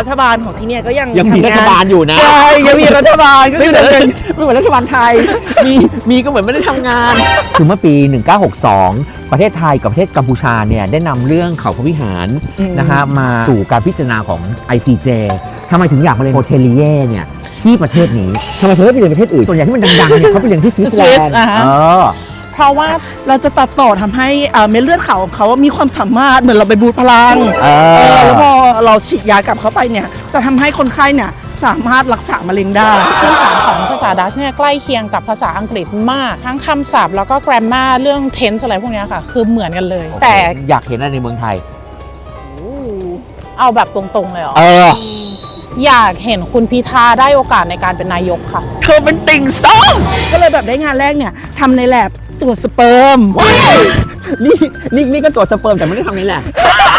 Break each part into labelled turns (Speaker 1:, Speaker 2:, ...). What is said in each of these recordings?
Speaker 1: รัฐบาลของที่เนี่ยก็ยัง
Speaker 2: มีรัฐบาลอยู่นะ
Speaker 1: ใช่ยังมีรัฐบาลก็คือ
Speaker 2: ไม่เหมือนรัฐบาลไทยมีก็เหมือนไม่ได้ทำงานคือเมื่อปี 1962 ประเทศไทยกับประเทศกัมพูชาเนี่ยได้นำเรื่องเขาพระวิหารนะฮะมาสู่การพิจารณาของ ICJ ทำไมถึงอยากมาเรียนโฮเทลีเย่เนี่ยที่ประเทศนี้ทำไมเธอไม่ไปเรียนประเทศอื่นส่วนใหญ่ที่มันดังๆเนี่ยเขาไปเรียนที่สวิตเซอร์แลนด์
Speaker 1: เพราะว่าเราจะตัดต่อทำให้เม็ดเลือดขาวของเขามีความสามารถเหมือนเราไปบูตพลังแล้วพอเราฉีดยากลับเข้าไปเนี่ยจะทำให้คนไข้เนี่ยสามารถรักษามะเร็งได้
Speaker 3: พื้นฐานของภาษาดัชเนี่ยใกล้เคียงกับภาษาอังกฤษมากทั้งคำศัพท์แล้วก็ grammar เรื่อง tense อะไรพวกนี้ค่ะคือเหมือนกันเลยแต่
Speaker 2: อยากเห็นอะไรในเมืองไทย
Speaker 3: เอาแบบตรงๆเลยเหรออยากเห็นคุณพิธาได้โอกาสในการเป็นนายกค่ะ
Speaker 1: เธอเป็นติ่งส้มก็เลยแบบได้งานแรกเนี่ยทำในแลบตรวจสเปิร์ม
Speaker 2: นี่ก็ตรวจสเปิร์มแต่ไม่ได้ทำในแลบ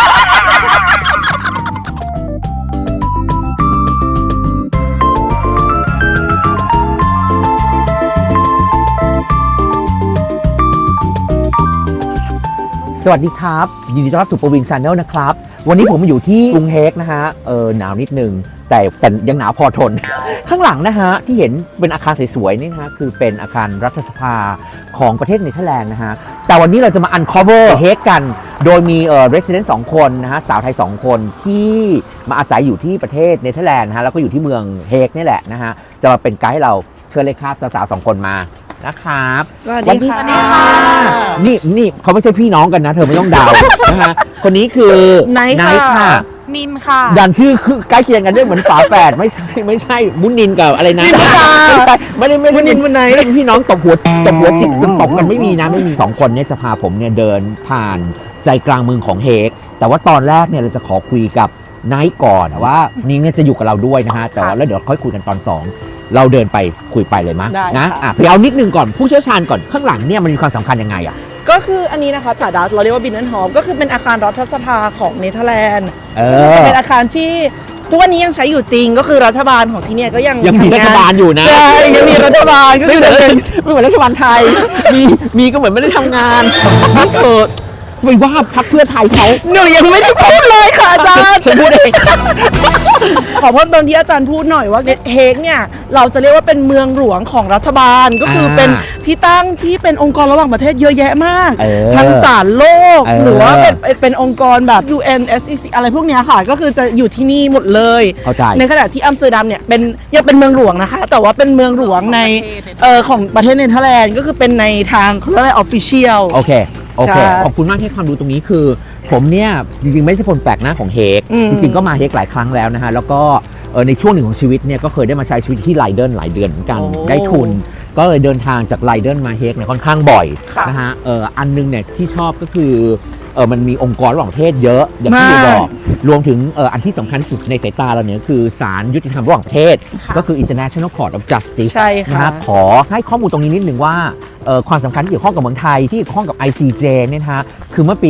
Speaker 2: สวัสดีครับยินดีต้อนรับสู่ประวิน Channel นะครับวันนี้ผมมาอยู่ที่กรุงเฮกนะฮะหนาวนิดนึงแต่ยังหนาวพอทน ข้างหลังนะฮะที่เห็นเป็นอาคารสวยๆนี่นะฮะคือเป็นอาคารรัฐสภาของประเทศเนเธอร์แลนด์นะฮะแต่วันนี้เราจะมา uncover เฮกกันโดยมีresident 2 คนนะฮะสาวไทย2 คนที่มาอาศัยอยู่ที่ประเทศเนเธอร์แลนด์นะฮะแล้วก็อยู่ที่เมืองเฮกนี่แหละนะฮะจะมาเป็นไกด์ให้เราเชิญเลยครับสาวๆ2 คนมานะครับ
Speaker 1: สวัสดีค่ะ
Speaker 2: นี่เขาไม่ใช่พี่น้องกันนะเธอไม่ต้องเดานะฮะคนนี้คือ
Speaker 1: ไนท์ค่ะ
Speaker 3: นินค่ะ
Speaker 2: ดันชื่อคือใกล้เคียงกันด้วยเหมือนฝาแฝดไม่ใช่มุนินกับอะไรนะไม่ได้
Speaker 1: มุนินมุนไหน
Speaker 2: พี่น้องตบหัวจิกจนตบกันไม่มีนะไม่มี2 คนเนี่ยจะพาผมเนี่ยเดินผ่านใจกลางเมืองของเฮกแต่ว่าตอนแรกเนี่ยเราจะขอคุยกับไนท์ก่อนว่านิ้งเนี่ยจะอยู่กับเราด้วยนะฮะแต่ว่าแล้วเดี๋ยวค่อยคุยกันตอน2เราเดินไปคุยไปเลยมั้ยนะไปเอานิดนึงก่อนผู้เชี่ยวชาญก่อนข้างหลังเนี่ยมันมีความสำคัญยังไงอ่ะ
Speaker 1: ก็คืออันนี้นะคะภาษาดัตช์เราเรียกว่าบินเนนฮอลก็คือเป็นอาคารรัฐสภาของเนเธอร์แลนด์เป็นอาคารที่ทุกวันนี้ยังใช้อยู่จริงก็คือรัฐบาลของที่เนี่ยก็ยัง
Speaker 2: มีรัฐบาลอยู่นะ
Speaker 1: ใช่ยังมีรัฐบาลก็คือ
Speaker 2: ไม่เหมือนรัฐบาลไทยมีก็เหมือนไม่ได้ทำงานนี่เธอไม่ว่าพรรคเพื่อไทยเขา
Speaker 1: หนูยังไม่ได้พูดเลยค่ะอาจารย์
Speaker 2: ฉันพูดเอง
Speaker 1: ขอเพิ่มตอนที่อาจารย์พูดหน่อยว่าเฮกเนี่ยเราจะเรียกว่าเป็นเมืองหลวงของรัฐบาลก็คือเป็นที่ตั้งที่เป็นองค์กรระหว่างประเทศเยอะแยะมากทั้งศาลโลกหรือว่าเป็นองค์กรแบบ UN SEC อะไรพวกนี้ค่ะก็คือจะอยู่ที่นี่หมดเลยในขณะที่อัมสเตอร์ดัมเนี่ยยังเป็นเมืองหลวงนะคะแต่ว่าเป็นเมืองหลวงในของประเทศเนเธอร์แลนด์ก็คือเป็นในทางเขาเรียกว่า official
Speaker 2: โอเคขอบคุณมากที่ความรู้ตรงนี้คือผมเนี่ยจริงๆไม่ใช่คนแปลกหน้าของเฮกจริงๆก็มาเฮกหลายครั้งแล้วนะฮะแล้วก็ในช่วงหนึ่งของชีวิตเนี่ยก็เคยได้มาใช้ชีวิตที่ไลเดนหลายเดือนเหมือนกันได้ทุนก็เลยเดินทางจากไลเดนมาเฮกเนี่ยค่อนข้างบ่อยนะฮะอันนึงเนี่ยที่ชอบก็คือมันมีองค์กรระหว่างประเทศเยอะอย่างที่บอกรวมถึงอันที่สำคัญที่สุดในสายตาเราเนี่ยคือศาลยุติธรรมระหว่างประเทศก็คือ International Court of Justice นะฮะขอให้ข้อมูลตรงนี้นิดนึงว่าความสำคัญที่เกี่ยวข้องกับเมืองไทยที่เกี่ยวข้องกับ ICJ เนี่ยนะฮะคือเมื่อปี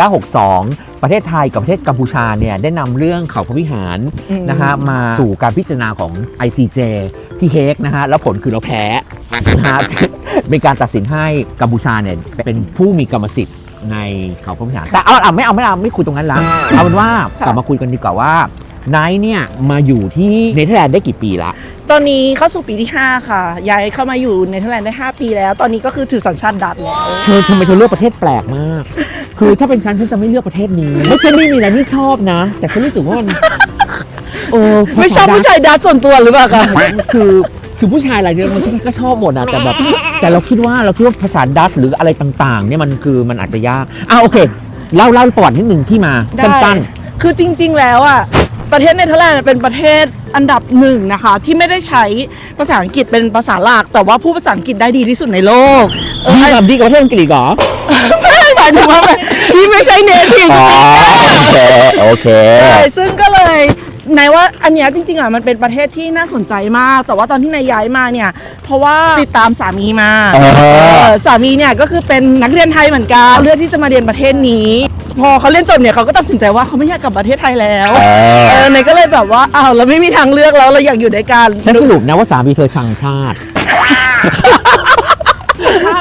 Speaker 2: 1962 ประเทศไทยกับประเทศกัมพูชาเนี่ยได้นำเรื่องเขาพระวิหารนะฮะมาสู่การพิจารณาของ ICJ ที่เฮกนะฮะแล้วผลคือเราแพ้นะฮะเป็นการตัดสินให้กัมพูชาเนี่ยเป็นผู้มีกรรมสิทธิ์ในเขาพระวิหารแต่ไม่คุยตรงนั้นละเอาเป็นว่ากลับมาคุยกันดีกว่าว่าไนท์เนี่ยมาอยู่ที่เนเธอร์แลนด์ได้กี่ปีละ
Speaker 1: ตอนนี้เข้าสู่ปีที่5ค่ะย้ายเข้ามาอยู่เนเธอร์แลนด์ได้5ปีแล้วตอนนี้ก็คือถือสัญชาติดัตช์แล้ว
Speaker 2: ทำไมเธอเลือกประเทศแปลกมากคือถ้าเป็นฉันจะไม่เลือกประเทศนี้ไม่ใช่ไม่มีอะไรที่ชอบนะแต่ฉันรู้สึกว่ามัน
Speaker 1: ไม่ชอบผู้ชายดัตช์ส่วนตัวหรือเปล่าคะ
Speaker 2: คือผู้ชายอะไรเนี่ยมันก็ชอบหมดนะแต่เราคิดว่าภาษาดัตช์หรืออะไรต่างๆเนี่ยมันอาจจะยากโอเคเล่าประวัตินิดนึงที่มาสั้น
Speaker 1: ๆคือจริงๆแล้วประเทศเนเธอร์แลนด์เป็นประเทศอันดับ1นะคะที่ไม่ได้ใช้ภาษาอังกฤษเป็นภาษาหลักแต่ว่าพูดภาษาอังกฤษได้ดีที่สุดในโลก
Speaker 2: ดีกว่าประเทศอังกฤษเหรอ
Speaker 1: ไม่หมายถึงว่าที่ไม่ใช่เนทีฟ
Speaker 2: โอเค
Speaker 1: ซึ่งก็เลยนายว่าอันนี้จริงๆมันเป็นประเทศที่น่าสนใจมากแต่ว่าตอนที่นายย้ายมาเนี่ยเพราะว่าติดตามสามีมาสามีเนี่ยก็คือเป็นนักเรียนไทยเหมือนกันเลือกที่จะมาเรียนประเทศนี้พอเขาเรียนจบเนี่ยเขาก็ตัดสินใจว่าเขาไม่อยากกลับประเทศไทยแล้วนายก็เลยแบบว่าเราไม่มีทางเลือกแล้วเราอยากอยู่ด้วยกัน
Speaker 2: ฉันสรุปนะว่าสามีเธอชังชาติ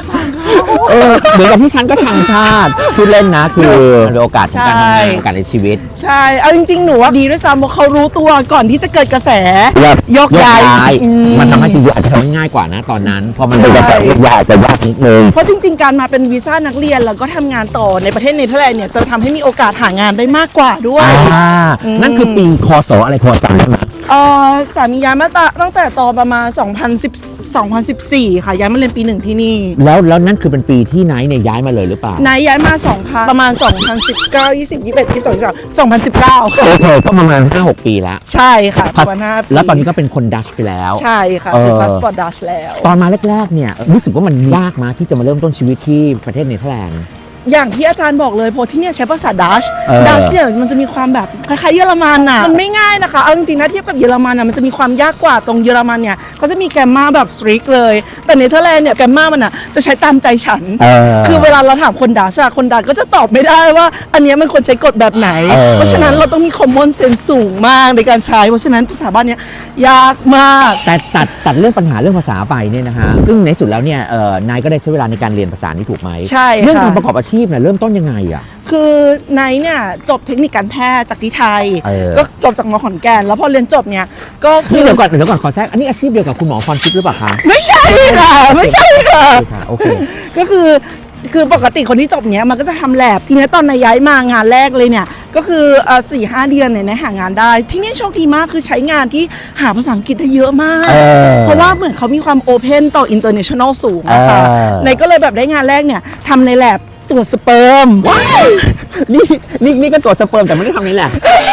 Speaker 2: เหมือนกับที่ฉันก็ชังชาติพูดเล่นนะคือเป็นโอกาสของการทำงานโอกาสในชีวิต
Speaker 1: ใช่เอาจริงๆหนูว่าดีด้วยซ้ำเพราะเขารู้ตัวก่อนที่จะเกิดกระแสยกย้าย
Speaker 2: มันทำให้จริงๆอาจจะทำให้ง่ายกว่านะตอนนั้นพอมันเป็นกระแสยกย้ายจะยากนิดนึง
Speaker 1: เพราะจริงๆการมาเป็นวีซ่านักเรียนแล้วก็ทำงานต่อในประเทศเนเธอร์แลนด์เนี่ยจะทำให้มีโอกาสหางานได้มากกว่าด้วย
Speaker 2: นั่นคือปีคศอะไรพอจำได้ไหม
Speaker 1: สามีย้ายมาตั้งแต่ตอนประมาณ2014 ค่ะย้ายมาเรียนปี 1ที่นี่
Speaker 2: แล้วนั่นคือเป็นปีที่ไนท์เนี่ยย้ายมาเลยหรือเปล่า
Speaker 1: ไนท์ย้ายมาประมาณ2019 20 21 22 2019ค่ะ
Speaker 2: โอเคก็ประมาณ 5-6 ปีแล้ว
Speaker 1: ใช่ค่ะประมาณ5 ปี
Speaker 2: แล้วตอนนี้ก็เป็นคนดัชไปแล้ว
Speaker 1: ใช่ค่ะคือพาสปอร์ตดัชแล้ว
Speaker 2: ตอนมาแรกๆเนี่ยรู้สึกว่ามันยากมาที่จะมาเริ่มต้นชีวิตที่ประเทศเนเธอร์แลนด์
Speaker 1: อย่างที่อาจารย์บอกเลยเพราะที่เนี่ยใช้ภาษาดัชเนี่ยมันจะมีความแบบคล้ายๆเยอรมันน่ะมันไม่ง่ายนะคะเอาจริงๆนะเทียบกับเยอรมันน่ะมันจะมีความยากกว่าตรงเยอรมันเนี่ยเขาจะมีแกรมมาแบบสตริกเลยแต่เนเธอร์แลนด์เนี่ยแกรมมามันน่ะจะใช้ตามใจฉันคือเวลาเราถามคนดัชคนดัชก็จะตอบไม่ได้ว่าอันนี้มันควรใช้กฎแบบไหนเพราะฉะนั้นเราต้องมี common sense สูงมากในการใช้เพราะฉะนั้นภาษาบ้านเนี่ยยากมาก
Speaker 2: แต่ตัดเรื่องปัญหาเรื่องภาษาไปเนี่ยนะฮะซึ่งในสุดแล้วเนี่ยนายก็ได้ใช้เวลาในการเรียนภาษานี้ถูกไหม
Speaker 1: ใช่
Speaker 2: เรื่องการประกอบอาชีพเนี่ยเริ่มต้นยังไง
Speaker 1: คือไนท์เนี่ยจบเทคนิคการแพทย์จากที่ไทยก็จบจากมขอนแก่นแล้วพอเรียนจบเนี่ยก็คือ
Speaker 2: เดี๋ยวก่อนขอแทรกอันนี้อาชีพเดียวกับคุณหมอพรทิพย์หรือเปล่าคะ
Speaker 1: ไม่ใช่ค่ะไม่ใช่ค่ะ
Speaker 2: โอเค
Speaker 1: ก็คือปกติคนที่จบเนี้ยมันก็จะทำแลบทีนี้ตอนนายย้ายมางานแรกเลยเนี่ยก็คือ4-5 เดือนเนี่ยหางานได้ที่นี่โชคดีมากคือใช้งานที่หาภาษาอังกฤษได้เยอะมากเพราะว่าเหมือนเขามีความโอเพนต่อ international สูงนะคะนายก็เลยแบบได้งานแรกเนี่ยทำในแลบตรวจสเปิร์ม
Speaker 2: นี่ก็ตรวจสเปิร์มแต่ไม่ได้ทำนี่แหละ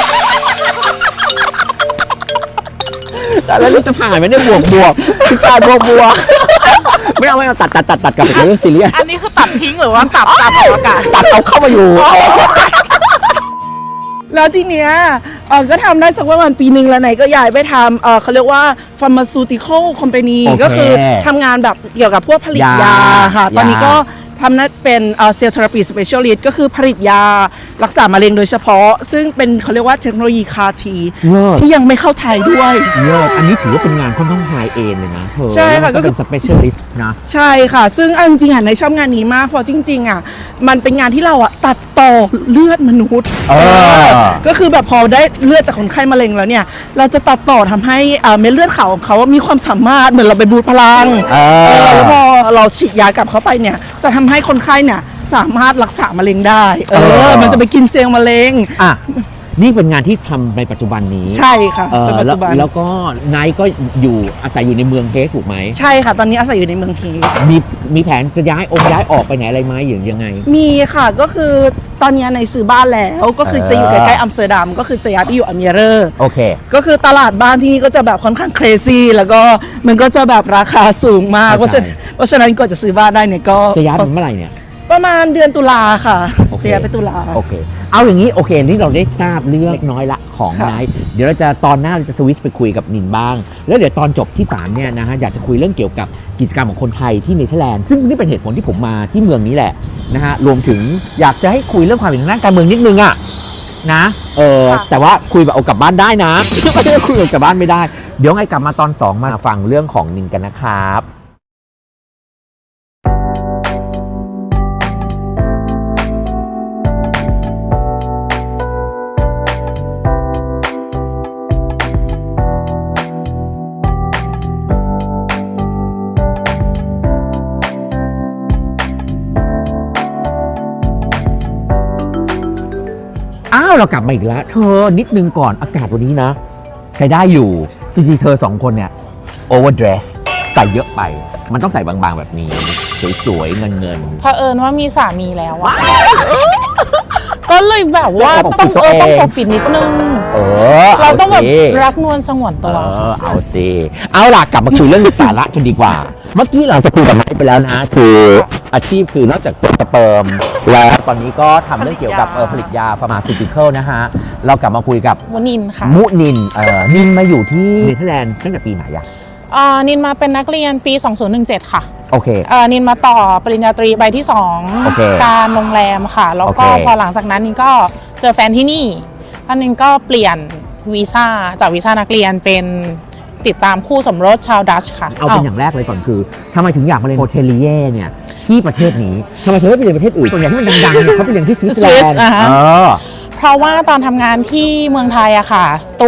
Speaker 2: แต่แล้วนี่จะผ่านไหมเนี่ยบวกคือการบวกไม่เอาตัดกลับไปเรื่องซีเรียส
Speaker 3: อันนี้คือตัดทิ้งหรือว่าตัดอากาศ
Speaker 2: ตัดเอาเข้ามาอยู่
Speaker 1: แล้วทีเนี้ยก็ทำได้สักประมาณปีนึงแล้วไหนก็ย้ายไปทำเขาเรียกว่า pharmaceutical company ก็คือทำงานแบบเกี่ยวกับพวกผลิตยาค่ะตอนนี้ก็ทำนั้นเป็นเซลล์เทอราปีสเปเชียลิสต์ก็คือผลิตยารักษามะเร็งโดยเฉพาะซึ่งเป็นเขาเรียกว่าเทคโนโลยีคาทีที่ยังไม่เข้าไทยด้วย
Speaker 2: อันนี้ถือว่าเป็นงานค่อนข้างไฮเอ็นเลยนะ
Speaker 1: ใช่ค่ะก็
Speaker 2: เป็นสเปเชียลิสต์นะ
Speaker 1: ใช่ค่ะซึ่งจริงๆในชอบงานนี้มากเพราะจริงๆมันเป็นงานที่เราตัดต่อเลือดมนุษย์ก็คือแบบพอได้เลือดจากคนไข้มะเร็งแล้วเนี่ยเราจะตัดต่อทำให้เม็ดเลือดขาวของเขามีความสามารถเหมือนเราไปบูตพลังแล้วพอเราฉีดยากลับเข้าไปเนี่ยจะทำให้คนไข้เนี่ยสามารถรักษามะเร็งได้มันจะไปกินเซลล์มะเร็ง
Speaker 2: นี่เป็นงานที่ทำในปัจจุบันนี้
Speaker 1: ใช่ค่ะในปัจจุบัน
Speaker 2: แล้วก็นายก็อาศัยอยู่ในเมืองเฮกถูกไหม
Speaker 1: ใช่ค่ะตอนนี้อาศัยอยู่ในเมืองเฮก
Speaker 2: มีแผนจะย้ายออกไปไหนอะไรไหมอย่างยังไง
Speaker 1: มีค่ะก็คือตอนนี้ในซื้อบ้านแล้วก็คือจะอยู่ใกล้ๆอัมสเตอร์ดัมก็คือจะย้ายไปอยู่อเมเรอร์
Speaker 2: โอเค
Speaker 1: ก็คือตลาดบ้านที่นี่ก็จะแบบค่อนข้างเครซี่แล้วก็มันก็จะแบบราคาสูงมากเพราะฉะนั้นก่อนจะซื้อบ้านได้เนี่ยก็
Speaker 2: จะย้ายเมื่อไหร่เนี่ย
Speaker 1: ประมาณเดือนตุลาค่ะเสียไปตุลา
Speaker 2: โอเคเอาอย่างนี้โอเคนี่เราได้ทราบเรื่องเล็กน้อยละของไนท์เดี๋ยวเราจะตอนหน้าเราจะสวิตช์ไปคุยกับนินบ้างแล้วเดี๋ยวตอนจบที่3เนี่ยนะฮะอยากจะคุยเรื่องเกี่ยวกับกิจกรรมของคนไทยที่เนเธอร์แลนด์ซึ่งนี่เป็นเหตุผลที่ผมมาที่เมืองนี้แหละนะฮะรวมถึงอยากจะให้คุยเรื่องความเป็นทางด้านการเมืองนิดนึงอะนะแต่ว่าคุยแบบเอากลับบ้านได้นะไม่ได้คุยกลับบ้านไม่ได้เดี๋ยวไงกลับมาตอน2มาฟังเรื่องของนินกันนะครับเรากลับมาอีกแล้วเธอนิดนึงก่อนอากาศวันนี้นะใช้ได้อยู่จริงๆเธอ2คนเนี่ยโอเวอร์เดรสใส่เยอะไปมันต้องใส่บางๆแบบนี้สวยๆเงิน
Speaker 3: เผอิญว่ามีสามีแล้วอะก็เลยแบบว่าต้องปกปิดนิดนึงเราต้องแบบรักนวลสงวนตัว
Speaker 2: เอาสิเอาล่ะกลับมาคุยเรื่องสาระกันดีกว่าเมื่อกี้เราจะคุยกับไนท์ไปแล้วนะคืออาชีพคือนอกจากตรวจสเปิร์มแล้วตอนนี้ก็ทำเรื่องเกี่ยวกับผลิตยาฟาร์มาซิติคอลนะฮะเรากลับมาคุยกับ
Speaker 3: มุนินค่ะ
Speaker 2: นินมาอยู่ที่เนเธอร์แลนด์ตั้งแต่ปีไหนอะ
Speaker 3: นินมาเป็นนักเรียนปี 2017 ค่ะ
Speaker 2: โอเค
Speaker 3: นินมาต่อปริญญาตรีใบที่2การโรงแรมค่ะแล้วก็พอหลังจากนั้นนินก็เจอแฟนที่นี่ท่านนินก็เปลี่ยนวีซ่าจากวีซ่านักเรียนเป็นติดตามคู่สมรสชาวดัชค่ะ
Speaker 2: เอาเป็นอย่างแรกเลยก่อนคือทำไมถึงอยากมาเรียนโฮเทลเย่เนี่ยที่ประเทศนี้ทำไมถึงไม่ไปเรียนประเทศอื่นส่วนใหญ่ที่มันดังๆเนี่ยเขาไปเรียนที่สวิตเซอร์แลนด์
Speaker 3: เพราะว่าตอนทำงานที่เมืองไทยอะค่ะ ตัว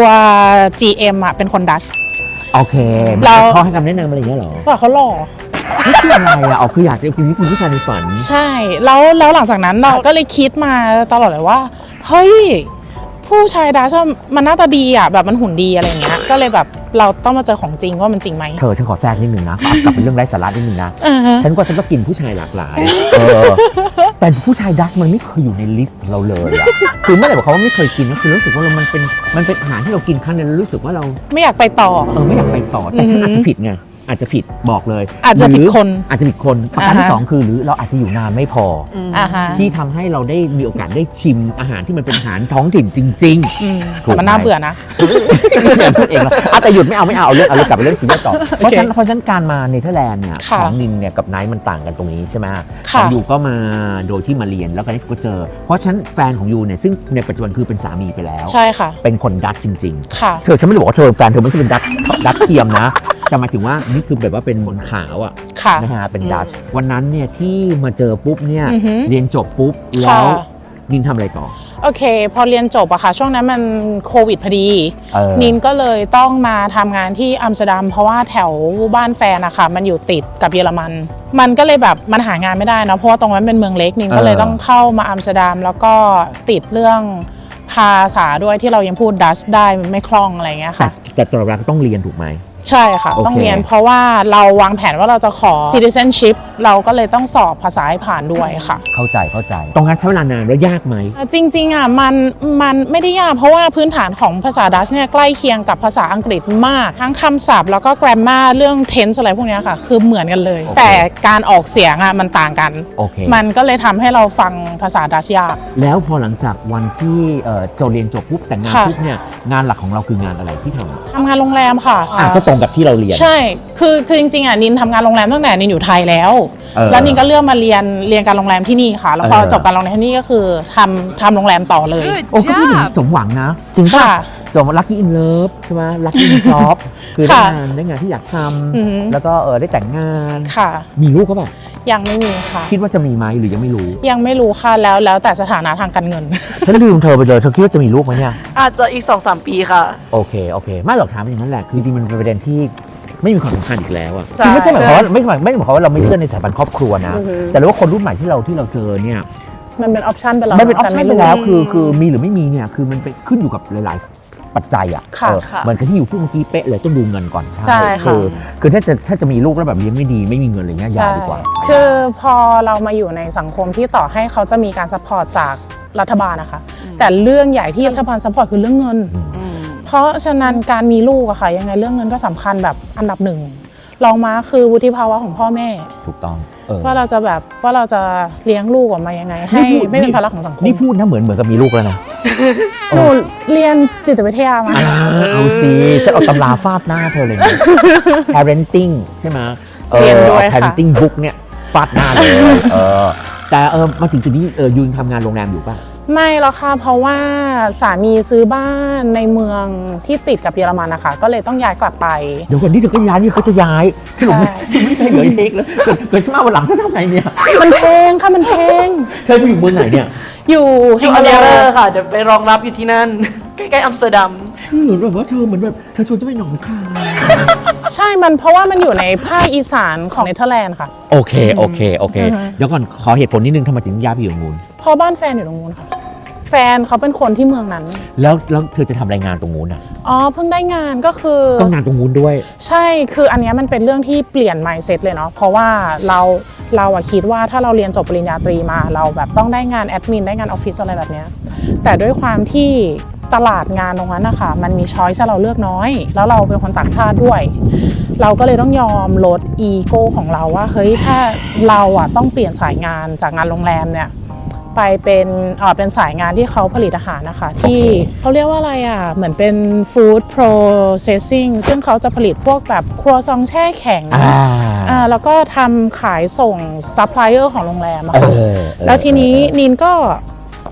Speaker 3: GM อะเป็นคนดัช
Speaker 2: โอเคเขาให้คำแนะนำอะไรอย่างเงี้ยเหรอ
Speaker 3: ว่าเขาหล่อ
Speaker 2: นี่คืออะไรอ่ะอ๋อคืออยากจะเป็นผู้ชายในฝัน
Speaker 3: ใช่แล้วหลังจากนั้นเราก็เลยคิดมาตลอดเลยว่าเฮ้ยผู้ชายดัชมันหน้าตาดีอ่ะแบบมันหุ่นดีอะไรเงี้ยก็เลยแบบเราต้องมาเจอของจริงว่ามันจริงไหม
Speaker 2: เธอฉันขอแทรกนิดนึงนะกลับเป็นเรื่องไร้สาระนิดนึงนะฉันก็กินผู้ชายหลากหลายแต่ผู้ชายดัชมันไม่เคยอยู่ในลิสต์เราเลยอ่ะคือไม่ได้บอกเขาว่าไม่เคยกินนะคือรู้สึกว่ามันเป็นอาหารที่เรากินครั้งนึงแล้วรู้สึกว่าเรา
Speaker 3: ไม่อยากไปต่อ
Speaker 2: ไม่อยากไปต่อแต่ฉันอาจจะผิดไงอาจจะผิดบอกเลย
Speaker 3: อาจจะผิดคน
Speaker 2: ประการที่2คือหรือเราอาจจะอยู่นานไม่พอที่ทำให้เราได้มีโอกาสได้ชิมอาหารที่มันเป็นอาหารท้องถิ่นจริงๆ
Speaker 3: มันน่าเบื่อนะ
Speaker 2: พูดเองแต่หยุดไม่เอาเรื่องกลับไปเรื่องซีเรียสต่อเพราะฉะนั้นการมาเนเธอร์แลนด์เนี่ยของนินเนี่ยกับไนท์มันต่างกันตรงนี้ใช่ไหมของยูก็มาโดยที่มาเรียนแล้วกันที่ก็เจอเพราะฉะนั้นแฟนของยูเนี่ยซึ่งในปัจจุบันคือเป็นสามีไปแล้ว
Speaker 3: ใช่ค่ะ
Speaker 2: เป็นคนดัตช์จริง
Speaker 3: ๆ
Speaker 2: ฉันไม่ได้บอกว่าแฟนเธอไม่ใช่เป็นดัตช์เทียมนะแต่หมายถึงว่านี่คือแบบว่าเป็นบนขาวอ่ะนะฮะเป็นดัชวันนั้นเนี่ยที่มาเจอปุ๊บเนี่ยเรียนจบปุ๊บแล้วนินทำอะไรต่อ
Speaker 3: โอเคพอเรียนจบอะค่ะช่วงนั้นมันโควิดพอดีนินก็เลยต้องมาทำงานที่อัมสเตอร์ดัมเพราะว่าแถวบ้านแฟนอะค่ะมันอยู่ติดกับเยอรมันก็เลยแบบมันหางานไม่ได้เนาะเพราะว่าตรงนั้นเป็นเมืองเล็กนินก็เลยต้องเข้ามาอัมสเตอร์ดัมแล้วก็ติดเรื่องภาษาด้วยที่เรายังพูดดัชได้ไม่คล่องอะไรเงี้ยค่ะ
Speaker 2: แต่ตลอดเวลาก็ต้องเรียนถูกไหม
Speaker 3: ใช่ค่ะต้องเรียนเพราะว่าเราวางแผนว่าเราจะขอ citizenship เราก็เลยต้องสอบภาษาให้ผ่านด้วยค่ะ
Speaker 2: เข้าใจตรงนั้นใช้เวลานานแล้วยากไหม
Speaker 3: จริงๆอ่ะมันไม่ได้ยากเพราะว่าพื้นฐานของภาษาดัชเนี่ยใกล้เคียงกับภาษาอังกฤษมากทั้งคำศัพท์แล้วก็ grammar เรื่อง tense อะไรพวกนี้ค่ะคือเหมือนกันเลยแต่การออกเสียงอ่ะมันต่างกันมันก็เลยทำให้เราฟังภาษาดัชยาก
Speaker 2: แล้วพอหลังจากวันที่จะเรียนจบปุ๊บแต่งงานปุ๊บเนี่ยงานหลักของเราคืองานอะไรที่ทำ
Speaker 3: งานโรงแรมค่ะ
Speaker 2: ก็ตรงกับที่เราเรียน
Speaker 3: ใช่คือจริงๆอ่ะนินทำงานโรงแรมตั้งแต่นินอยู่ไทยแล้วนินก็เลือกมาเรียนการโรงแรมที่นี่ค่ะแล้วพอจบการโรงแรมที่นี่ก็คือทำโรงแรมต่อเลย
Speaker 2: โอ้ก็ไม่ถึงสมหวังนะจริงป่ะสมลัคกี้อินเลิฟใช่ไหมลัคกี้อินจ็อบคือได้งานที่อยากทำแล้วก็ได้แต่งงานมีลูกก็แบบ
Speaker 3: ยังไม่มีค่ะ
Speaker 2: คิดว่าจะมีไหมหรือยังไม่รู้
Speaker 3: ค่ะแล้วแต่สถานะทางการเงิน
Speaker 2: ฉันลืมเธอไปเลยเธอคิดว่าจะมีลูกไหมเนี่ย
Speaker 1: อาจจะอีก 2-3 ปีค่ะ
Speaker 2: โอเคไม่หรอกถามอย่างนั้นแหละคือจริงมันเป็นประเด็นที่ไม่มีความสำคัญอีกแล้วอ่ะคือไม่ใช่หมายความว่าไม่หมายความว่าเราไม่เชื่อในสถาบันครอบครัวนะแต่ว่าคนรุ่นใหม่ที่เราเจอเนี่ย
Speaker 3: มันเป็นออปชันไปแล้ว
Speaker 2: มันเป็นออปชันไปแล้วคือมีหรือไม่มีเนี่ยคือมันไปขึ้นอยู่กับหลายๆปัจจัยอ่ะเหมือนกับที่อยู่ที่เมื่อกี้เป๊ะเลยต้องดูเงินก่อน
Speaker 3: ใช่
Speaker 2: คือถ้าจะมีลูกแล้วแบบเลี้ยงไม่ดีไม่มีเงินอะไรเงี้ยยากดีกว่า
Speaker 3: คือพอเรามาอยู่ในสังคมที่ต่อให้เขาจะมีการซัพพอร์ตจากรัฐบาลนะคะแต่เรื่องใหญ่ที่รัฐบาลซัพพอร์ตคือเรื่องเงินเพราะฉะนั้นการมีลูกอะค่ะยังไงเรื่องเงินก็สำคัญแบบอันดับหนึ่งรองมาคือวุฒิภาวะของพ่อแม่
Speaker 2: ถูกต้อง
Speaker 3: ว่าเราจะเลี้ยงลูกออกมายังไงให้ไม่เป็นภาระของสังคม
Speaker 2: นี่พูดนะเหมือนกับมีลูกแล้วนะ
Speaker 3: หนูเรียนจิตวิทยามา
Speaker 2: เอาสิจะเอาตำราฟาดหน้าเธอเลย parenting ใช่ไหม
Speaker 3: เรียนด้วยค่ะ
Speaker 2: parenting book เนี่ยฟาดหน้าเลยแต่มาถึงจุดนี้ยูนทำงานโรงแรมอยู่ป่ะ
Speaker 3: ไม่หรอกค่ะเพราะว่าสามีซื้อบ้านในเมืองที่ติดกับเยอรมันนะคะก็เลยต้องย้ายกลับไป
Speaker 2: เดี๋ยวก่อนที่เธอก็ย้ายนี่เขาจะย้ายสรุปไม่ใช่เหลือเอกแล้วเกิดมาวันหลังจะทำไงเนี่ย
Speaker 3: มันแพงค่ะมันแพง
Speaker 2: เธอไปอยู่เมืองไหนเนี่ย
Speaker 3: อยู่
Speaker 1: ฮิงเลอร์ค่ะเดี๋ยวไปรองรับอยู่ที่นั่นใกล้ๆอัมสเตอร์ดัม
Speaker 2: ชื่อแบบว่าเธอเหมือนแบบเธอชวนจะไปหนองคาย
Speaker 3: ใช่มันเพราะว่ามันอยู่ในภาคอีสานของเนเธอร์แลนด์ค่ะ
Speaker 2: โอเคเดี๋ยวก่อนขอเหตุผลนิดนึงทำไมถึงย้ายไปอยู่ตรงนู้น
Speaker 3: เพราะบ้านแฟนอยู่ตรงนู้นค่ะแฟนเขาเป็นคนที่เมืองนั้น
Speaker 2: แล้วเธอจะทำรายงานตรงนู้นอ่ะ
Speaker 3: เพิ่งได้งานก็คื
Speaker 2: องานตรงนู้นด้วย
Speaker 3: ใช่คืออันนี้มันเป็นเรื่องที่เปลี่ยน mindset เลยเนาะเพราะว่าเราคิดว่าถ้าเราเรียนจบปริญญาตรีมาเราแบบต้องได้งานแอดมินได้งานออฟฟิศอะไรแบบนี้แต่ด้วยความที่ตลาดงานตรงนั้นนะคะมันมีช้อยส์ให้เราเลือกน้อยแล้วเราเป็นคนต่างชาติด้วยเราก็เลยต้องยอมลดอีโก้ของเราว่าเฮ้ยถ้าเราต้องเปลี่ยนสายงานจากงานโรงแรมเนี่ยไปเป็นสายงานที่เขาผลิตอาหารนะคะที่เขาเรียกว่าอะไรเหมือนเป็น food processing ซึ่งเขาจะผลิตพวกแบบครัวซองแช่แข็งแล้วก็ทำขายส่งซัพพลายเออร์ของโรงแรมค่ะแล้วทีนี้นินก็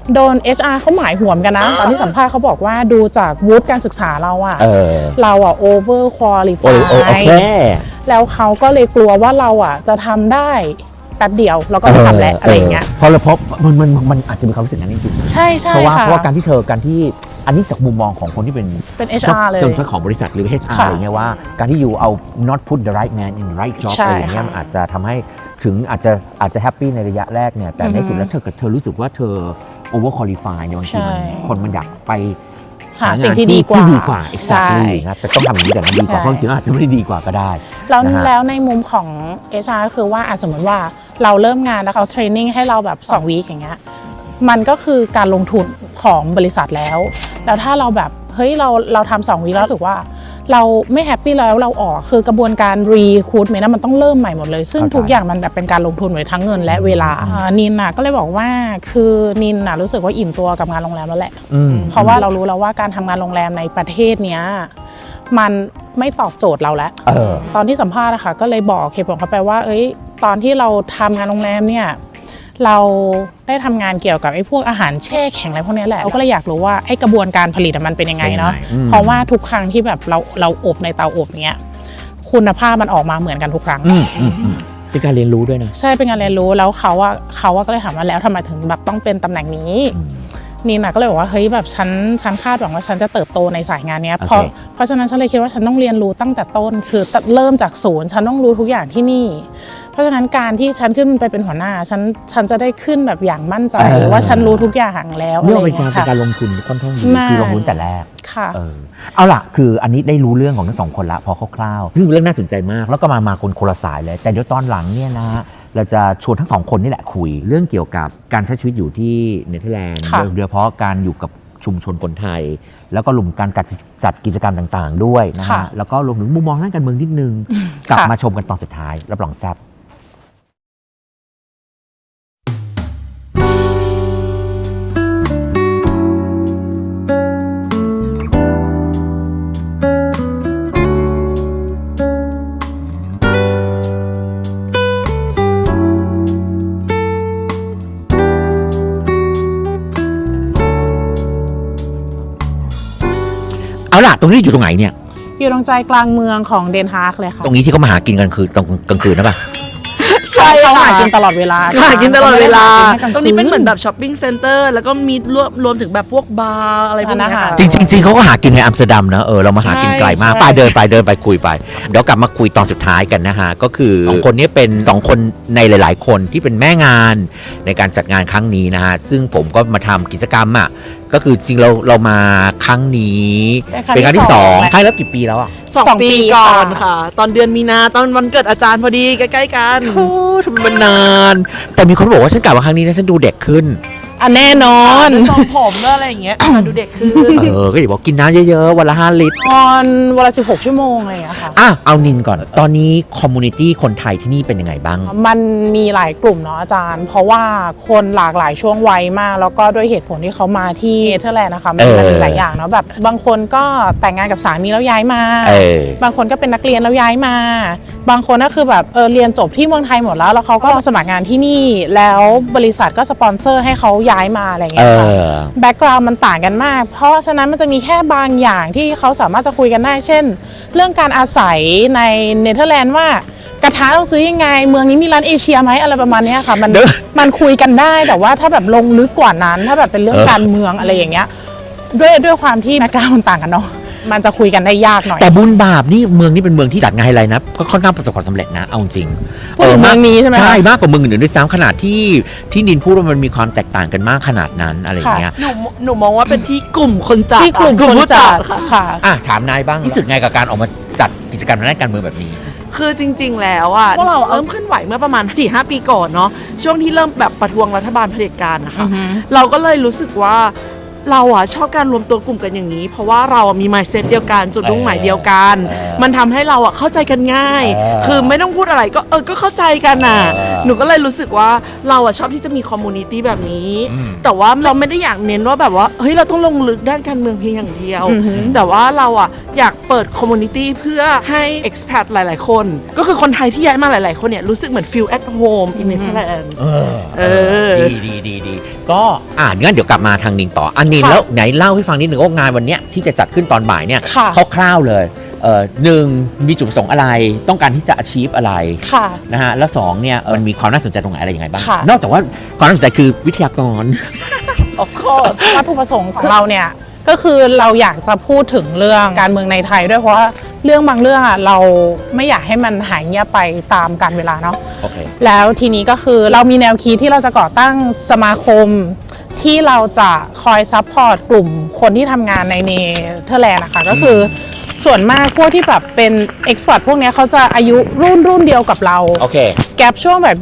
Speaker 3: โดน HR เขาหมายหัวมกันนะ ตอนที่สัมภาษณ์เขาบอกว่าดูจากวุฒิการศึกษาเราอะเราอะ over
Speaker 2: โอ
Speaker 3: qualify
Speaker 2: เค
Speaker 3: แล้วเขาก็เลยกลัวว่าเราอะจะทำได้แป๊บเดียวแล้วก็ไม่ทำแล้วอะไรอย่างเงี้ย
Speaker 2: เพราะมันอาจจะมีความรู้สึกนั้นจริงๆ
Speaker 3: ใช่ใช่
Speaker 2: เพราะว่า
Speaker 3: ค่ะ
Speaker 2: การที่อันนี้จากมุมมองของคนที่เป็น
Speaker 3: HR เลย
Speaker 2: เจ้าของบริษัทหรือ HR
Speaker 3: ค่ะ
Speaker 2: อะไรเงี้ยว่าการที่อยู่เอา not put the right man in the right job
Speaker 3: ใช่
Speaker 2: อะไรอย่างเงี้ย
Speaker 3: ค่ะ
Speaker 2: มันอาจจะทำให้ถึงอาจจะแฮปปี้ในระยะแรกเนี่ยแต่ในสุดแล้วเธอรู้สึกว่าเธอ over qualify ในบางทีคนมันอยากไป
Speaker 3: หาสิ่งที่ดีกว่า
Speaker 2: exactly นะแต่ต้องทำอย่างนี้แต่มันดีกว่าเพราะจริงๆอาจจะไม่ได้ดีกว่าก็ได้
Speaker 3: แล้วในมุมของ HR ก็คือว่าสมมติว่าเราเริ่มงานแล้วเขาเทรนนิ่งให้เราแบบ2 วีคอย่างเงี้ยมันก็คือการลงทุนของบริษัทแล้วถ้าเราแบบเฮ้ยเราทำ2 วีคแล้วรู้สึกว่าเราไม่แฮปปี้แล้วเราออกคือกระบวนการรีคูดเมนต์มันต้องเริ่มใหม่หมดเลยซึ่งทุกอย่างมันแบบเป็นการลงทุนไว้ทั้งเงินและเวลานินน่ะก็เลยบอกว่าคือนินน่ะรู้สึกว่าอิ่มตัวกับงานโรงแรมแล้วแหละเพราะว่าเรารู้แล้วว่าการทำงานโรงแรมในประเทศเนี้ยมันไม่ตอบโจทย์เราแล้วตอนที่สัมภาษณ์นะคะก็เลยบอกเหตุผลเขาไปว่าตอนที่เราทำงานโรงแรมเนี่ยเราได้ทำงานเกี่ยวกับไอ้พวกอาหารแช่แข็งอะไรพวกนี้แหละเราก็เลยอยากรู้ว่าไอ้กระบวนการผลิตมันเป็นยังไงเนาะเพราะว่าทุกครั้งที่แบบเราอบในเตาอบเนี้ยคุณภาพมันออกมาเหมือนกันทุกครั้ง
Speaker 2: เป็นการเรียนรู้ด้วยนะ
Speaker 3: ใช่เป็นการเรียนรู้แล้วเขาก็เลยถามว่าแล้วทำไมถึงแบบต้องเป็นตำแหน่งนี้นี่นะก็เลยบอกว่าเฮ้ยแบบฉันคาดหวังว่าฉันจะเติบโตในสายงานนี้เพราะฉะนั้นฉันเลยคิดว่าฉันต้องเรียนรู้ตั้งแต่ต้นคือเริ่มจากศูนย์ฉันต้องรู้ทุกอย่างที่นี่เพราะฉะนั้นการที่ฉันขึ้นไปเป็นหัวหน้าฉันจะได้ขึ้นแบบอย่างมั่นใจว่าฉันรู้ทุกอย่างแล้วอะไรอย่างเงี้ยค่ะ
Speaker 2: เป็นการลงทุนค่อนข้างดีคือลงทุนแต่แรก
Speaker 3: ค่ะ
Speaker 2: เอาล่ะคืออันนี้ได้รู้เรื่องของทั้ง2 คนละพอคร่าวๆซึ่งเป็นเรื่องน่าสนใจมากแล้วก็มาคนละสายเลยแต่เดี๋ยวตอนหลังเนี่ยนะเราจะชวนทั้ง2 คนนี่แหละคุยเรื่องเกี่ยวกับการใช้ชีวิตอยู่ที่เนเธอร์แลนด์โดยเฉพาะการอยู่กับชุมชนคนไทยแล้วก็รวมการจัดกิจกรรมต่างๆด้วยนะฮะแล้วก็รวมถึงมุมมองด้านการเมืองนิดนึงกลับมาชมกันตอนสุดท้ายรับรองแซ่บเอาล่ะตรงนี้อยู่ตรงไหนเนี่ย
Speaker 3: อยู่ตรงใจกลางเมืองของเดนฮาร์กเลยค่ะ
Speaker 2: ตรงนี้ที่เขามาหากินกันคือตรงกลางคืนนะป่ะ
Speaker 1: ใช่
Speaker 3: เขา
Speaker 1: ค่ะ
Speaker 3: หากินตลอดเวลา
Speaker 1: หากินตลอดเวลาตรงนี้เป็นเหมือนแบบช้อปปิ้งเซ็นเตอร์แล้วก็มีรวมถึงแบบพวกบาร์อะไรพวกนี้ค่ะ
Speaker 2: จริงเขาก็หากินในอัมสเตอร์ดัมนะเรามาหากินไกลมากไปเดินไปคุยไปเดี๋ยวกลับมาคุยตอนสุดท้ายกันนะฮะก็คือ2 คนนี้เป็น2 คนในหลายๆคนที่เป็นแม่งานในการจัดงานครั้งนี้นะฮะซึ่งผมก็มาทำกิจกรรมอ่ะก็คือจริงเรามาครั้งนี้เป็นครั้งที่2ให้แล้วกี่ปีแล้วอ่ะ
Speaker 1: 2 ปีก่อนค่ะตอนเดือนมีนาตอนวันเกิดอาจารย์พอดีใกล้ๆกัน
Speaker 2: ทำไมมันนานแต่มีคนบอกว่าฉันกลับมาครั้งนี้นะฉันดูเด็กขึ้น
Speaker 3: แน่นอน
Speaker 1: ทรงผมแล้วอะไรอย่างเงี้ยดูเด็กขึ้น
Speaker 2: ก็อย่าบอกกินน้ำเยอะๆวันละ5 ลิตร
Speaker 3: วันละ16 ชั่วโมงอะไรอย่างเงี้ยค่ะ
Speaker 2: เอานินก่อนตอนนี้คอมมูนิตี้คนไทยที่นี่เป็นยังไงบ้าง
Speaker 3: มันมีหลายกลุ่มเนาะอาจารย์เพราะว่าคนหลากหลายช่วงวัยมากแล้วก็ด้วยเหตุผลที่เขามาที่เนเธอร์แลนด์นะคะมันมีหลายอย่างเนาะแบบบางคนก็แต่งงานกับสามีแล้วย้ายมาบางคนก็เป็นนักเรียนแล้วย้ายมาบางคนก็คือแบบเรียนจบที่เมืองไทยหมดแล้วเขาก็มาสมัครงานที่นี่แล้วบริษัทก็สปอนเซอร์ให้เขาย้ายมาอะไรเงี้ยค่ะแบ็กกราวด์มันต่างกันมากเพราะฉะนั้นมันจะมีแค่บางอย่างที่เขาสามารถจะคุยกันได้เช่นเรื่องการอาศัยในเนเธอร์แลนด์ว่ากระทะต้องซื้อยังไงเมืองนี้มีร้านเอเชียไหมอะไรประมาณนี้ค่ะมันคุยกันได้แต่ว่าถ้าแบบลงลึกกว่านั้นถ้าแบบเป็นเรื่องการเมืองอะไรอย่างเงี้ยด้วยความที่แบ็กกราวด์มันต่างกันเนาะมันจะคุยกันได้ยากหน่อย
Speaker 2: แต่บุญบาปนี่เมืองนี้เป็นเมืองที่จัดงานไฮไลท์นะก็ค่อนข้างประสบความสำเร็จนะเอาจริง
Speaker 3: เมืองนี้ใช่ไหม
Speaker 2: ใช่มากกว่าเมืองอื่นด้วยซ้ำขนาดที่นินพูดว่ามันมีความแตกต่างกันมากขนาดนั้นอะไรอย่างเงี้ย
Speaker 1: หนูมองว่าเป็นที่กลุ่มคนจัด
Speaker 3: ที่กลุ่มคนจัดค่ะ
Speaker 2: ถามนายบ้างรู้สึกไงกับการออกมาจัดกิจกรรมในด้านการเมืองแบบนี้
Speaker 1: คือจริงๆแล้วพวกเราเริ่มเคลื่อนไหวเมื่อประมาณ 4-5 ปีก่อนเนาะช่วงที่เริ่มแบบประท้วงรัฐบาลเผด็จการนะคะเราก็เลยรู้สึกว่าเราอ่ะชอบการรวมตัวกลุ่มกันอย่างนี้ เพราะว่าเรามี mindset เดียวกันจุดมุ่งหมายเดียวกัน มันทำให้เราอ่ะเข้าใจกันง่าย คือไม่ต้องพูดอะไรก็เข้าใจกันน่ะหนูก็เลยรู้สึกว่าเราอ่ะชอบที่จะมีคอมมูนิตี้แบบนี้ แต่ว่าเราไม่ได้อยากเน้นว่าแบบว่าเฮ้ยเราต้องลงลึกด้านการเมืองเพียงอย่างเดียว แต่ว่าเราอ่ะอยากเปิดคอมมูนิตี้เพื่อให้ expat หลายๆคนก็คือคนไทยที่ย้ายมาหลายๆคนเนี่ยรู้สึกเหมือน feel at home in Netherlands
Speaker 2: ดีก็งั้นเดี๋ยวกลับมาทางนิงต่ออันนิงแล้วไหนเล่าให้ฟังนิดหนึ่งว่างานวันเนี้ยที่จะจัดขึ้นตอนบ่ายเนี่ยคร่าวๆเลยหนึ่งมีจุดประสงค์อะไรต้องการที่จะ achieve อะไรนะฮะแล้วสองเนี่ยมันมีความน่าสนใจตรงไหนอะไรยังไงบ้างนอกจากว่าความน่าสนใจคือวิทยากร
Speaker 3: of course วัตถุประสงค์ของเราเนี่ยก็คือเราอยากจะพูดถึงเรื่องการเมืองในไทยด้วยเพราะว่าเรื่องบางเรื่องอ่ะเราไม่อยากให้มันหายเงียบไปตามกาลเวลาเนาะ
Speaker 2: okay.
Speaker 3: แล้วทีนี้ก็คือเรามีแนวคิดที่เราจะก่อตั้งสมาคมที่เราจะคอยซัพพอร์ตกลุ่มคนที่ทำงานในเนเธอร์แลนด์นะคะก็คือส่วนมากพวกที่แบบเป็นเอ็กซ์พอร์ตพวกนี้เขาจะอายุรุ่นเดียวกับเรา
Speaker 2: okay.
Speaker 3: แกปช่วงแบบ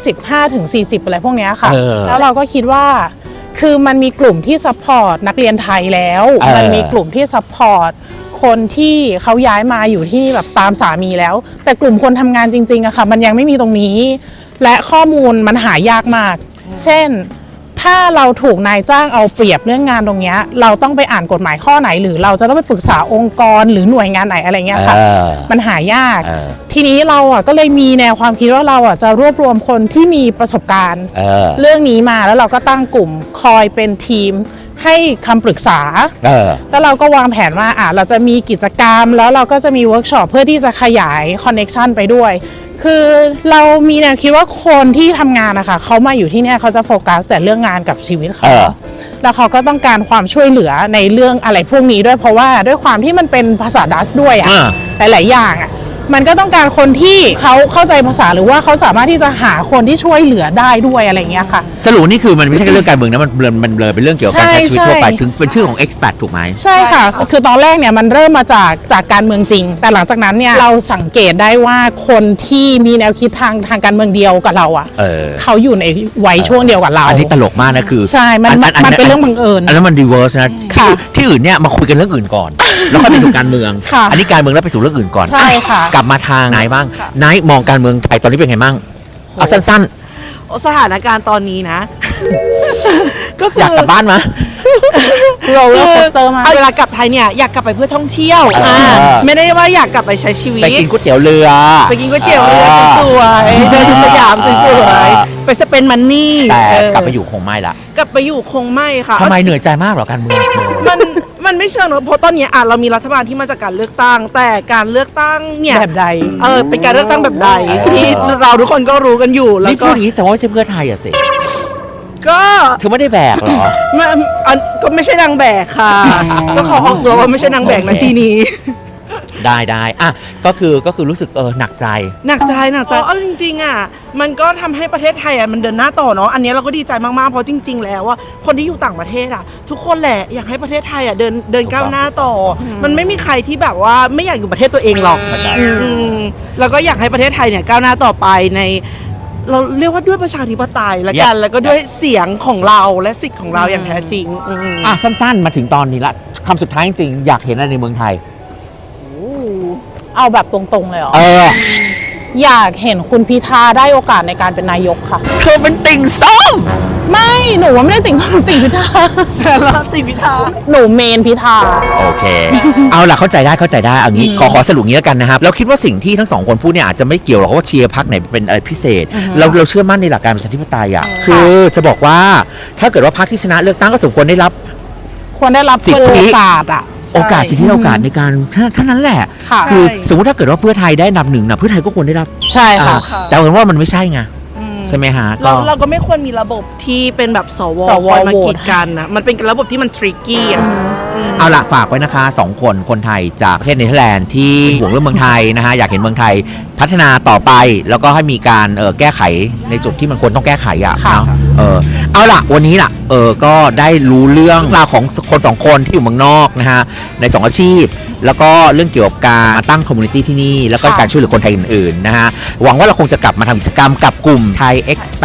Speaker 3: 25-40 อะไรพวกนี้ค่ะแล้วเราก็คิดว่าคือมันมีกลุ่มที่ซัพพอร์ตนักเรียนไทยแล้วมันมีกลุ่มที่ซัพพอร์ตคนที่เขาย้ายมาอยู่ที่นี่แบบตามสามีแล้วแต่กลุ่มคนทำงานจริงๆอะค่ะมันยังไม่มีตรงนี้และข้อมูลมันหายากมากเช่นถ้าเราถูกนายจ้างเอาเปรียบเรื่องงานตรงนี้เราต้องไปอ่านกฎหมายข้อไหนหรือเราจะต้องไปปรึกษาองค์กรหรือหน่วยงานไหนอะไรเงี้ยค่ะมันหายากทีนี้เราอ่ะก็เลยมีแนวความคิดว่าเราอ่ะจะรวบรวมคนที่มีประสบการณ์เรื่องนี้มาแล้วเราก็ตั้งกลุ่มคอยเป็นทีมให้คำปรึกษาแล้วเราก็วางแผนว่าเราจะมีกิจกรรมแล้วเราก็จะมีเวิร์กช็อปเพื่อที่จะขยายคอนเนคชันไปด้วยคือเรามีแนวคิดว่าคนที่ทำงานนะคะเขามาอยู่ที่นี่เขาจะโฟกัสแต่เรื่องงานกับชีวิตเขาแล้วเขาก็ต้องการความช่วยเหลือในเรื่องอะไรพวกนี้ด้วยเพราะว่าด้วยความที่มันเป็นภาษาดัชด้วยหลายๆอย่างมันก็ต้องการคนที่เขาเข้าใจภาษาหรือว่าเขาสามารถที่จะหาคนที่ช่วยเหลือได้ด้วยอะไรเงี้ยค่ะ
Speaker 2: สรุปนี่คือมันไม่ใช่แค่เรื่องการเมืองนะมันเบลอเป็นเรื่องเกี่ยวกับการใช้ชีวิตทั่วไปถึงเป็นชื่อของ expat ถูกไหม
Speaker 3: ใช่ค่ะคือตอนแรกเนี่ยมันเริ่มมาจากการเมืองจริงแต่หลังจากนั้นเนี่ยเราสังเกตได้ว่าคนที่มีแนวคิดทางการเมืองเดียวกับเราเขาอยู่ในวัยช่วงเดียวกับเรา
Speaker 2: อันนี้ตลกมากนะคือ
Speaker 3: ใช่มันเป็นเรื่องบังเอิญ
Speaker 2: อันนั้นมัน reverse นะที่อื่นเนี่ยมาคุยกันเรื่องอื่นก่อนแล้วค่อยไปสู่การเมืองอันนี้การเมืองแล้วไปสู่เรื่องอื่นก่อน
Speaker 3: ใช่ค่ะ
Speaker 2: กลับมาทางไหนบ้างนายมองการเมืองไทยตอนนี้เป็นไงบ้างเอาสั้น
Speaker 1: ๆสถานการณ์ตอนนี้นะ ก็คือ
Speaker 2: อยากกลับบ้านมั้ย
Speaker 3: โรลเลอร์โคสเตอร์มา
Speaker 1: เวลากลับไทยเนี่ยอยากกลับไปเพื่อท่องเที่ยวไม่ได้ว่าอยากกลับไปใช้ชีวิต
Speaker 2: ไปกินก๋วยเตี๋ยวเรือ
Speaker 1: ไปกินก๋วยเตี๋ยวเรือสวยๆเดินสยามสวยๆไปสเปนมันนี่
Speaker 2: แต่กลับไปอยู่คงไม่ละ
Speaker 1: กลับไปอยู่คงไม่ค่ะ
Speaker 2: ทำไมเหนื่อยใจมากหรอการเมือง
Speaker 1: มันไม่เชิงนะเพราะตอนนี้เรามีรัฐบาลที่มาจากการเลือกตั้งแต่การเลือกตั้งเนี่ย
Speaker 3: แบบใด
Speaker 1: เป็นการเลือกตั้งแบบใดที่เราทุกคนก็รู้กันอยู่แล้วก็
Speaker 2: นี่พูดอย่างนี้แสดงว่าไม่ใช่เพื่อไทยอะสิ
Speaker 1: ก็
Speaker 2: เธอไม่ได้แบกหรอ
Speaker 1: ก็ไม่ใช่นางแบกค่ะก็ขอออกตัวว่าไม่ใช่นางแบกนะทีนี้
Speaker 2: ได้อ่ะก็คือรู้สึกหนักใจ
Speaker 1: จริงๆมันก็ทำให้ประเทศไทยมันเดินหน้าต่อเนาะอันนี้เราก็ดีใจมากๆเพราะจริงๆแล้วว่าคนที่อยู่ต่างประเทศทุกคนแหละอยากให้ประเทศไทยเดินก้าวหน้าต่อมันไม่มีใครที่แบบว่าไม่อยากอยู่ประเทศตัวเองหรอกแล้วก็อยากให้ประเทศไทยเนี่ยก้าวหน้าต่อไปในเราเรียกว่าด้วยประชาธิปไตยละกันแล้วก็ด้วยเสียงของเราและสิทธิ์ของเราอย่างแท้จริง
Speaker 2: สั้นๆมาถึงตอนนี้ละคำสุดท้ายจริงๆอยากเห็นอะไรในเมืองไทย
Speaker 3: เอาแบบตรงๆเลยเหรออยากเห็นคุณพิธาได้โอกาสในการเป็นนายกค่ะ
Speaker 2: เธอเป็นติ่งส้ม
Speaker 3: ไม่หนูว่าไม่ได้ติ่งส้มติ่งพิธา
Speaker 1: แล้วติ่งพิธา
Speaker 3: หนูเมนพิธา
Speaker 2: โอเคเอาล่ะเข้าใจได้เอางี้ขอสรุปงี้แล้วกันนะครับเราคิดว่าสิ่งที่ทั้งสองคนพูดเนี่ยอาจจะไม่เกี่ยวหรอกว่าเชียร์พรรคไหนเป็นอะไรพิเศษเราเชื่อมั่นในหลักการประชาธิปไตยคือจะบอกว่าถ้าเกิดว่าพรรคที่ชนะเลือกตั้งก็สมควรได้รับ
Speaker 3: สิทธิโอกาส
Speaker 2: โอกาสสิทธิโอกาสในการเท่านั้นแหละคือสมมติถ้าเกิดว่าเพื่อไทยได้อันดับหนึ่งนะเพื่อไทยก็ควรได้รับ
Speaker 3: ใช่ค่ะ
Speaker 2: แต่เห็นว่ามันไม่ใช่ไงใช่ไหมฮะ
Speaker 1: เราก็ไม่ควรมีระบบที่เป็นแบบสวคอยมากีดกันนะมันเป็นระบบที่มันทริกกี้
Speaker 2: เอาล่ะฝากไว้นะคะ2คนไทยจากประเทศเนเธอร์แลนด์ที่ห่วงเรื่องเมืองไทยนะฮะอยากเห็นเมืองไทยพัฒนาต่อไปแล้วก็ให้มีการแก้ไขในจุดที่มันควรต้องแก้ไขเนาะเอาล่ะวันนี้ล่ะก็ได้รู้เรื่องราวของคน2คนที่อยู่เมืองนอกนะฮะใน2อาชีพแล้วก็เรื่องเกี่ยวกับการตั้งคอมมูนิตี้ที่นี่แล้วก็การช่วยเหลือคนไทยอื่นๆนะฮะหวังว่าเราคงจะกลับมาทำกิจกรรมกับกลุ่มไทย Expat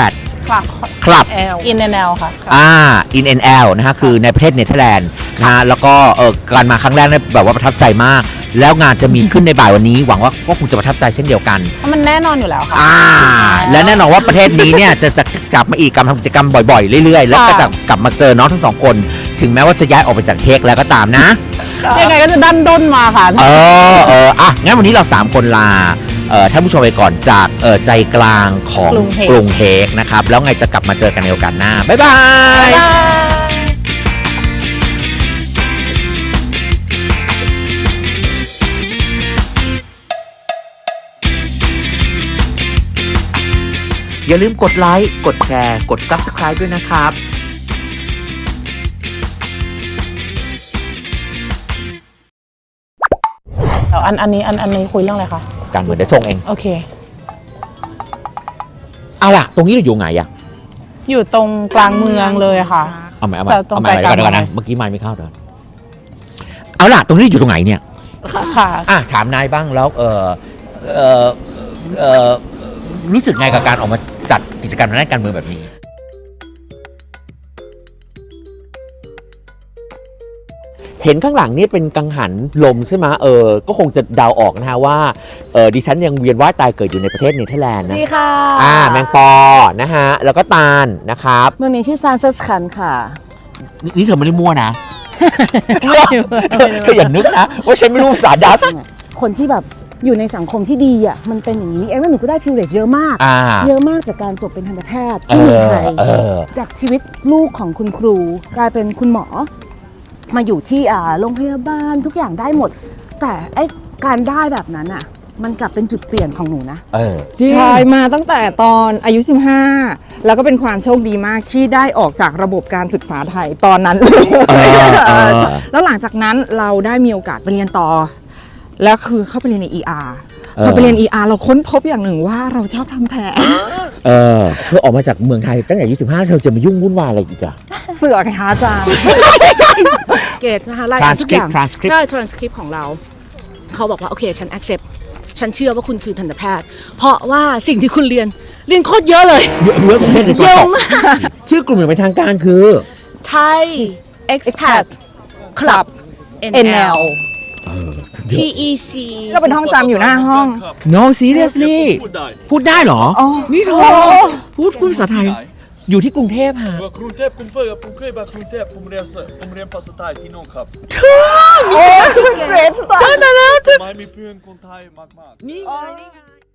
Speaker 3: ครับ
Speaker 2: Club
Speaker 3: in and out ค่ะ
Speaker 2: In and Out นะฮะคือในประเทศเนเธอร์แลนด์นะฮะแล้วก็การมาครั้งแรกเนี่ยแบบว่าประทับใจมาก แล้วงานจะมีขึ้นในบ่ายวันนี้ หวังว่าก็คงจะประทับใจเช่นเดียวกัน
Speaker 3: เพราะมันแน่นอนอยู่แล้วค่ะ
Speaker 2: และแน่นอนว่าประเทศนี้เนี่ยจะจับมาอีกการทำกิจกรรมบ่อยๆเรื่อยๆ แล้วก็จะกลับมาเจอน้องทั้งสองคน ถึงแม้ว่าจะย้ายออกไปจากเฮกแล้วก็ตามนะ
Speaker 3: ยังไงก็จะดันด้นมาค่ะ
Speaker 2: งั้นวันนี้เรา 3 คนลาท่านผู้ชมไปก่อนจากใจกลางของกรุงเฮกนะครับ แล้วไงจะกลับมาเจอกันในโอกาสหน้า บ๊ายบาย อย่าลืมกดไลค์ กดแชร์ กด Subscribe ด้วยนะครับ
Speaker 3: อันนี้คุยเรื่องอะไรคะ
Speaker 2: การเมืองเดี๋ยวชงเอง
Speaker 3: โอเค
Speaker 2: เอาล่ะ ตรงนี้เราอยู่ไงอะ
Speaker 3: อยู่ตรงกลางเมืองเลยค่ะ
Speaker 2: เอาใหม่
Speaker 3: จะตรงใจกลาง
Speaker 2: เดี๋ยวก่อนนะ เมื่อกี้ไม่เข้าเดี๋ยวเอาล่ะ ตรงนี้อยู่ตรงไหนเนี่ย
Speaker 3: ค่ะ
Speaker 2: ถามนายบ้างแล้วรู้สึกไงกับการออกมาจัดกิจกรรมทางด้านการเมืองแบบนี้ เห็นข้างหลังนี่เป็นกังหันลมใช่ไหมก็คงจะเดาออกนะฮะว่าดิฉันยังเวียนว่ายตายเกิดอยู่ในประเทศเนเธอร์แลนด์นะ
Speaker 4: นี่ค่ะ
Speaker 2: แมงปอนะฮะแล้วก็ตาลนะครับ
Speaker 4: เมืองนี้ชื่อซานเซสคันค่ะ
Speaker 2: นี่เธอไม่ได้มั่วนะเธออย่านึกนะว่าฉันไม่รู้ภาษาดัช
Speaker 4: คนที่แบบอยู่ในสังคมที่ดีอ่ะมันเป็นอย่างนี้เองว่าหนูก็ได้ privilege เยอะมาก เยอะมากจากการจบเป็นทันตแพทย์ที่เมืองไทยจากชีวิตลูกของคุณครูกลายเป็นคุณหมอมาอยู่ที่โรงพยาบาลทุกอย่างได้หมด แต่ไอ้การได้แบบนั้นอ่ะมันกลับเป็นจุดเปลี่ยนของหนูนะ
Speaker 5: ใช่มาตั้งแต่ตอนอายุ 15 แล้วก็เป็นความโชคดีมากที่ได้ออกจากระบบการศึกษาไทยตอนนั้นเลยแล้วหลังจากนั้นเราได้มีโอกาสไปเรียนต่อ แล้วคือเข้าไปเรียนใน ER พอไปเรียน ER เราค้นพบอย่างหนึ่งว่าเราชอบทำแผล
Speaker 2: เธอออกมาจากเมืองไทยตั้งแต่อายุ15เธอจะมายุ่งวุ่นวายอะไรอีกอะ
Speaker 5: เสือกไงคะอาจารย์
Speaker 4: เกตนะคะรายการทุกอย่าง
Speaker 2: transcript
Speaker 4: ใช่ transcript ของเรา เขาบอกว่าโอเคฉัน accept ฉันเชื่อว่าคุณคือทันตแพทย์ เพราะว่าสิ่งที่คุณเรียนโคตรเยอะเลย
Speaker 2: เยอะกว่าประเทศในตัว
Speaker 4: เย
Speaker 2: ต
Speaker 4: อะ
Speaker 2: ก
Speaker 4: มาก
Speaker 2: ชื่อกลุ่มอย่างเป็นทางการคือ
Speaker 4: Thai Expat Club NL TEC
Speaker 5: ก็เป็นห้องจำอยู่หน้าห้อง
Speaker 2: No seriously พูดได้เหรอ นี่เธอพูดภาษาไทย อยู่ที่กรุงเทพฮะ
Speaker 6: กรุงเทพผมเคยมากรุงเทพผมเรียนภาษาไทยที่โน่นครับ
Speaker 5: เกรซ
Speaker 6: ไม่มีเพื่อนคนไทยมากๆ
Speaker 2: นี่ไง